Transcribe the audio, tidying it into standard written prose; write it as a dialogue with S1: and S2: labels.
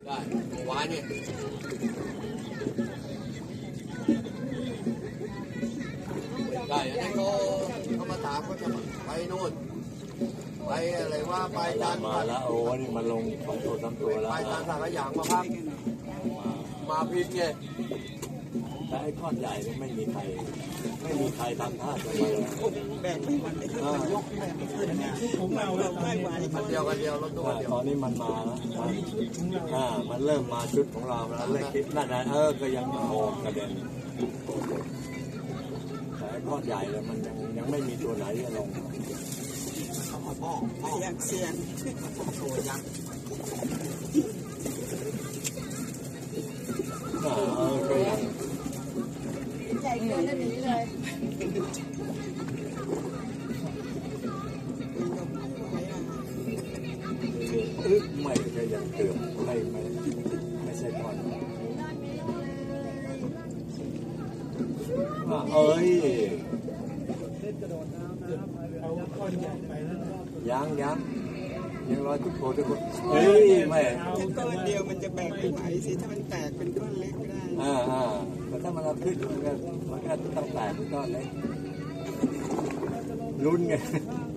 S1: ได้หวานนี่ได้อันนี้เขามาถามก็จะไปนู่นไปอะไรว่าไปจาน
S2: มาแล้วโอ้นี่มันลง2 ตัว 3 ตัวแล้ว
S1: ไปจานสังขยางมาพักมาพิษไง
S2: แต่ไอ้ก้อนใหญ่นี่ไม่มีใครทำท่าจะมาเลย
S3: แบ่งไม่มันไม่ขึ้นมันยกแบ่งไม่ขึ้นเนี่ยผมเราได้มา
S1: กันเดียวรถตู้เดียว
S2: ตอนนี้มันมาแล้วมันเริ่มมาชุดของเราแล้วเล่นคิดนั่นนะก็ยังโง่กระเด็นแต่ไอ้ก้อนใหญ่เลยมันยังไม่มีตัวไหนจะลง
S3: เสียงโอ้ยัง
S2: ก็ยัง
S4: ใหญ่เกินแล้วหนีเลย
S2: ไม่ก็ยังเกือบไม่ใช่ก้อนเอ้ยยังรอทุกคนเฮ้ยไม่
S3: ก้อนเดียวมันจะแบ่งไม่ไหวสิถ้ามันแตกเป็นก้อนเล็กก็ได้
S2: แต่ถ้ามันเอาขึ้นมันก็ต้องแตกเป็นก้อนเล็กลุ้นไง